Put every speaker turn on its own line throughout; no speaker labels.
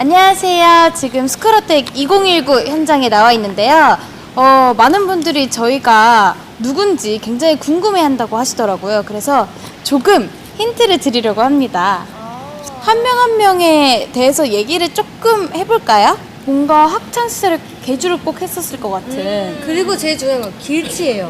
안녕하세요. 지금 스크러텍 2019 현장에 나와 있는데요. 많은 분들이 저희가 누군지 굉장히 궁금해한다고 하시더라고요. 그래서 조금 힌트를 드리려고 합니다. 한 명 한 명에 대해서 얘기를 조금 해볼까요? 뭔가 학창시절에 개주를 꼭 했었을 것 같은.
그리고 제일 중요한 건 길치예요.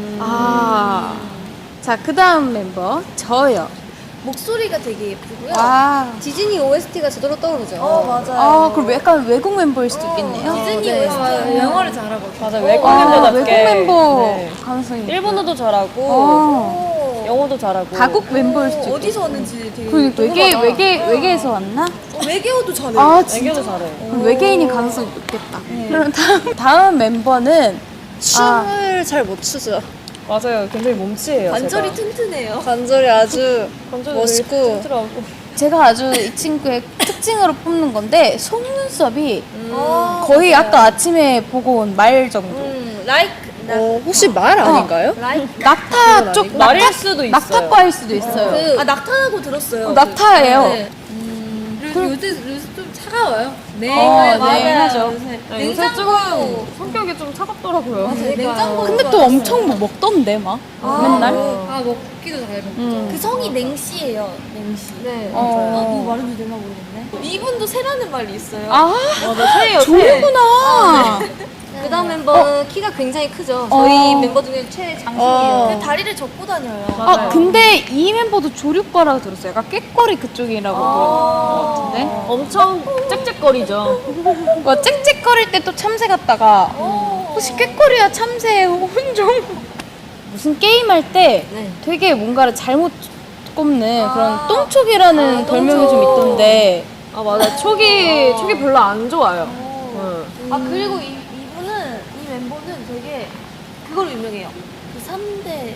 자, 그 다음 멤버 저요.
목소리가 되게 예쁘고요. 디즈니 OST가 제대로 떠오르죠.
맞아요.
그럼 약간 외국 멤버일 수도 있겠네요.
디즈니
네.
OST 영어를 잘하고.
맞아요. 외국 멤버답게.
외국 멤버
네.
가능성이 있죠.
일본어도 잘하고, 영어도 잘하고.
가국 멤버일 수도 있고.
어디서 왔는지 되게
그러니까
궁금하다.
외계에서 왔나?
외계어도 잘해요.
아, 진짜?
애교도 잘해.
그럼 외계인이 가능성이 높겠다. 그럼 다음 멤버는
춤을 잘 못 추죠.
맞아요. 굉장히 몸치예요.
관절이
제가.
튼튼해요.
관절이 아주
관절도
멋있고.
되게 튼튼하고.
제가 아주 이 친구의 특징으로 뽑는 건데 속눈썹이
어,
거의 아까 아침에 보고 온 말 정도.
like
혹시 말 아닌가요?
낙타 쪽
말일 수도 있어요.
낙타과일 수도 있어요.
낙타라고 들었어요.
낙타예요.
네. 그리고 요새 좀 차가워요. 네,
맞아요.
요새 조금 성격이 좀 차갑더라고요.
냉장고.
근데 또 엄청 뭐 먹던데 막 맨날.
먹기도 잘 먹죠. 그 성이 냉씨예요. 냉씨. 네. 누구 말인지 내가 모르겠네. 이분도 새라는 말이 있어요.
맞아, 새예요, 새.
좋구나.
그 다음 멤버는 키가 굉장히 크죠. 저희 멤버 중에 최장신이에요. 다리를 접고 다녀요.
맞아요.
근데 이 멤버도 조류과라고 들었어요. 약간 꾀꼬리 그쪽이라고 들은 것 같은데.
엄청 짹짹거리죠.
뭐 짹짹거릴 때 또 참새 같다가 혹시 꾀꼬리와 참새의 혼종? 무슨 게임 할 때
네.
되게 뭔가를 잘못 꼽는 그런 똥촉이라는 별명이 좀 있던데.
아, 맞아. 촉이 별로 안 좋아요.
그리고 이분은, 이 멤버는 되게 그걸로 유명해요. 그 3대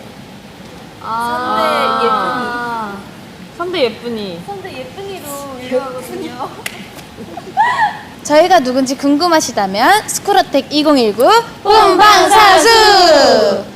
예쁜이.
3대 예쁜이.
3대 예쁜이로 유명하거든요.
저희가 누군지 궁금하시다면 스크러텍 2019 본방사수!